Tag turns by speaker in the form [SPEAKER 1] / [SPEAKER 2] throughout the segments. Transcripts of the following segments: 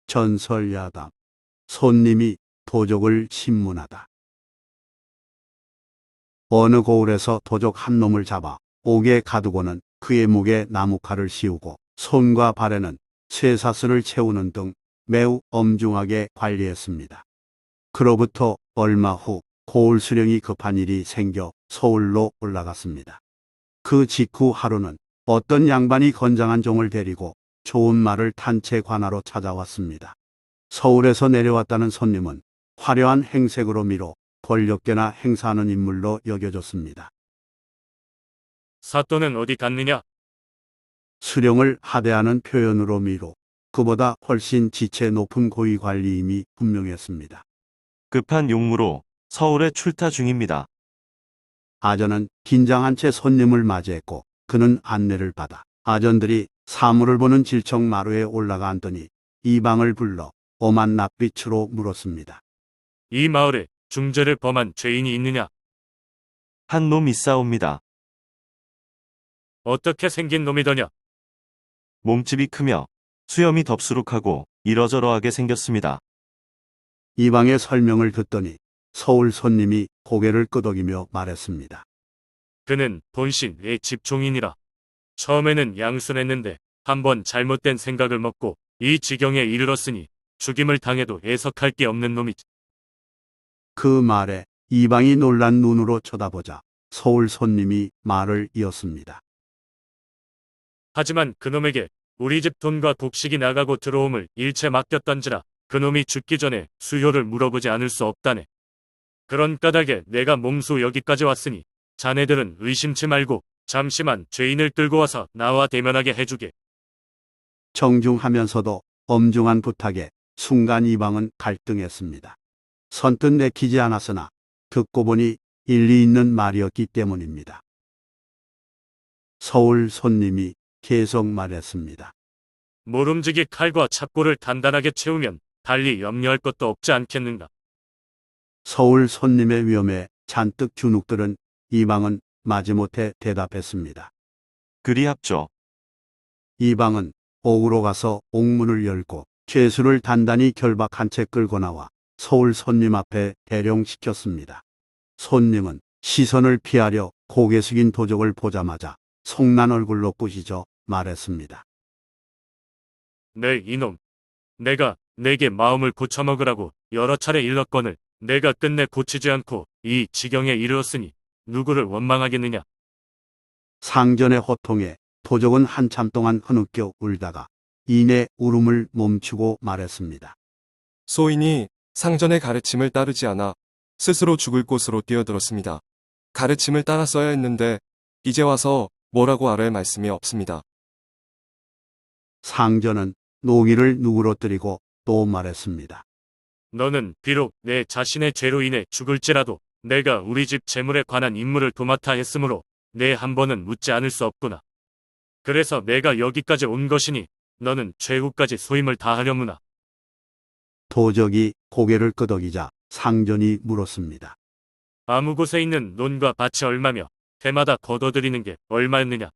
[SPEAKER 1] 전설야담. 손님이 도적을 신문하다. 어느 고을에서 도적 한 놈을 잡아 옥에 가두고는 그의 목에 나무칼을 씌우고 손과 발에는 쇠사슬을 채우는 등 매우 엄중하게 관리했습니다. 그로부터 얼마 후 고을 수령이 급한 일이 생겨 서울로 올라갔습니다. 그 직후 하루는 어떤 양반이 건장한 종을 데리고 좋은 말을 탄 채 관하로 찾아왔습니다. 서울에서 내려왔다는 손님은 화려한 행색으로 미로 권력계나 행사하는 인물로 여겨졌습니다.
[SPEAKER 2] 사또는 어디 갔느냐?
[SPEAKER 1] 수령을 하대하는 표현으로 미로 그보다 훨씬 지체 높은 고위 관리임이 분명했습니다.
[SPEAKER 3] 급한 용무로 서울에 출타 중입니다.
[SPEAKER 1] 아전은 긴장한 채 손님을 맞이했고 그는 안내를 받아 아전들이 사물을 보는 질청 마루에 올라가 앉더니 이방을 불러 엄한 낯빛으로 물었습니다.
[SPEAKER 2] 이 마을에 중죄를 범한 죄인이 있느냐?
[SPEAKER 3] 한 놈 있사옵니다.
[SPEAKER 2] 어떻게 생긴 놈이더냐?
[SPEAKER 3] 몸집이 크며 수염이 덥수룩하고 이러저러하게 생겼습니다.
[SPEAKER 1] 이방의 설명을 듣더니 서울 손님이 고개를 끄덕이며 말했습니다.
[SPEAKER 2] 그는 본신의 집종이니라. 처음에는 양순했는데 한번 잘못된 생각을 먹고 이 지경에 이르렀으니 죽임을 당해도 애석할 게 없는 놈이지.
[SPEAKER 1] 그 말에 이방이 놀란 눈으로 쳐다보자 서울 손님이 말을 이었습니다.
[SPEAKER 2] 하지만 그놈에게 우리 집 돈과 곡식이 나가고 들어옴을 일체 맡겼던지라 그놈이 죽기 전에 수효를 물어보지 않을 수 없다네. 그런 까닭에 내가 몸소 여기까지 왔으니 자네들은 의심치 말고 잠시만 죄인을 끌고 와서 나와 대면하게 해주게.
[SPEAKER 1] 정중하면서도 엄중한 부탁에 순간 이방은 갈등했습니다. 선뜻 내키지 않았으나 듣고 보니 일리 있는 말이었기 때문입니다. 서울 손님이 계속 말했습니다.
[SPEAKER 2] 모름지기 칼과 찹고를 단단하게 채우면 달리 염려할 것도 없지 않겠는가.
[SPEAKER 1] 서울 손님의 위험에 잔뜩 주눅들은 이방은 마지못해 대답했습니다.
[SPEAKER 3] 그리합죠.
[SPEAKER 1] 이방은 옥으로 가서 옥문을 열고 죄수를 단단히 결박한 채 끌고 나와 서울 손님 앞에 대령시켰습니다. 손님은 시선을 피하려 고개 숙인 도적을 보자마자 속난 얼굴로 꾸짖어 말했습니다.
[SPEAKER 2] 네 이놈. 내가 내게 마음을 고쳐먹으라고 여러 차례 일렀거늘 내가 끝내 고치지 않고 이 지경에 이르렀으니 누구를 원망하겠느냐.
[SPEAKER 1] 상전의 호통에 도적은 한참 동안 흐느껴 울다가 이내 울음을 멈추고 말했습니다.
[SPEAKER 4] 소인이 상전의 가르침을 따르지 않아 스스로 죽을 곳으로 뛰어들었습니다. 가르침을 따랐어야 했는데 이제 와서 뭐라고 아랠 말씀이 없습니다.
[SPEAKER 1] 상전은 노기를 누그러뜨리고 또 말했습니다.
[SPEAKER 2] 너는 비록 내 자신의 죄로 인해 죽을지라도 내가 우리 집 재물에 관한 임무를 도맡아 했으므로 내 한 번은 묻지 않을 수 없구나. 그래서 내가 여기까지 온 것이니 너는 최후까지 소임을 다하려무나.
[SPEAKER 1] 도적이 고개를 끄덕이자 상전이 물었습니다.
[SPEAKER 2] 아무 곳에 있는 논과 밭이 얼마며 해마다 거둬들이는 게 얼마였느냐.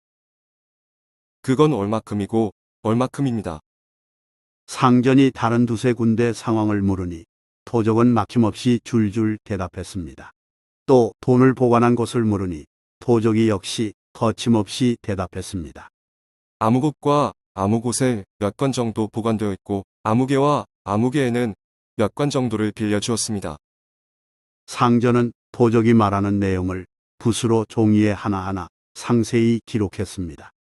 [SPEAKER 4] 그건 얼마큼이고 얼마큼입니다.
[SPEAKER 1] 상전이 다른 두세 군데 상황을 물으니 도적은 막힘없이 줄줄 대답했습니다. 또 돈을 보관한 곳을 물으니 도적이 역시 거침없이 대답했습니다.
[SPEAKER 4] 아무 곳과 아무 곳에 몇 권 정도 보관되어 있고 아무개와 아무개에는 몇 권 정도를 빌려주었습니다.
[SPEAKER 1] 상전은 도적이 말하는 내용을 붓으로 종이에 하나하나 상세히 기록했습니다.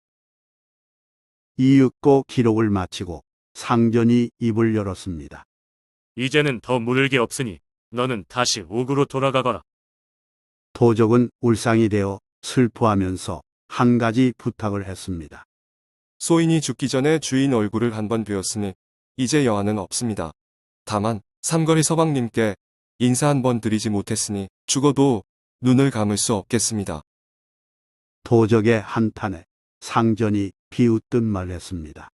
[SPEAKER 1] 이윽고 기록을 마치고 상전이 입을 열었습니다.
[SPEAKER 2] 이제는 더 물을 게 없으니 너는 다시 옥으로 돌아가거라.
[SPEAKER 1] 도적은 울상이 되어 슬퍼하면서 한 가지 부탁을 했습니다.
[SPEAKER 4] 소인이 죽기 전에 주인 얼굴을 한번 뵈었으니 이제 여한은 없습니다. 다만 삼거리 서방님께 인사 한번 드리지 못했으니 죽어도 눈을 감을 수 없겠습니다.
[SPEAKER 1] 도적의 한탄에 상전이 비웃듯 말했습니다.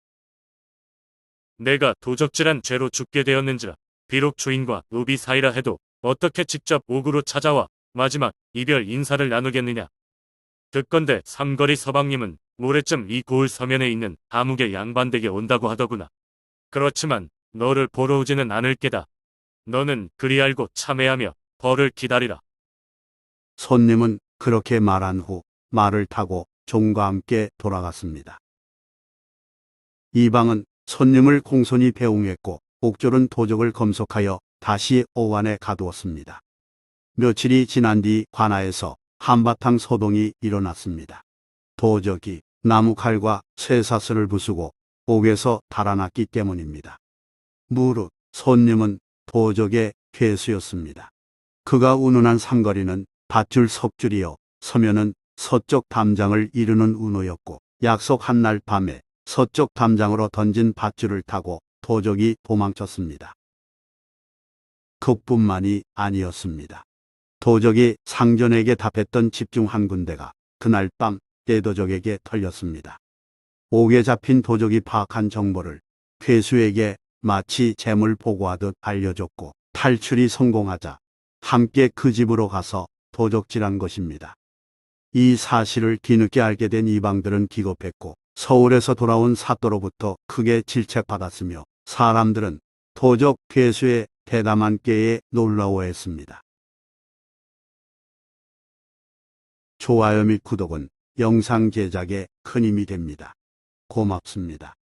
[SPEAKER 2] 내가 도적질한 죄로 죽게 되었는지라 비록 주인과 노비 사이라 해도 어떻게 직접 옥으로 찾아와 마지막 이별 인사를 나누겠느냐. 듣건대 삼거리 서방님은 모레쯤 이 고을 서면에 있는 아무개 양반댁에 온다고 하더구나. 그렇지만 너를 보러 오지는 않을 게다. 너는 그리 알고 참회하며 벌을 기다리라.
[SPEAKER 1] 손님은 그렇게 말한 후 말을 타고 종과 함께 돌아갔습니다. 이방은 손님을 공손히 배웅했고 옥졸은 도적을 검속하여 다시 오완에 가두었습니다. 며칠이 지난 뒤 관아에서 한바탕 소동이 일어났습니다. 도적이 나무칼과 쇠사슬을 부수고 옥에서 달아났기 때문입니다. 무릇 손님은 도적의 괴수였습니다. 그가 운운한 삼거리는 밧줄 석줄이요 서면은 서쪽 담장을 이루는 운호였고 약속한 날 밤에 서쪽 담장으로 던진 밧줄을 타고 도적이 도망쳤습니다. 그뿐만이 아니었습니다. 도적이 상전에게 답했던 집중 한 군데가 그날 밤 떼도적에게 털렸습니다. 옥에 잡힌 도적이 파악한 정보를 괴수에게 마치 재물 보고하듯 알려줬고 탈출이 성공하자 함께 그 집으로 가서 도적질한 것입니다. 이 사실을 뒤늦게 알게 된 이방들은 기겁했고 서울에서 돌아온 사또로부터 크게 질책받았으며 사람들은 도적 괴수의 대담한 꾀에 놀라워했습니다. 좋아요 및 구독은 영상 제작에 큰 힘이 됩니다. 고맙습니다.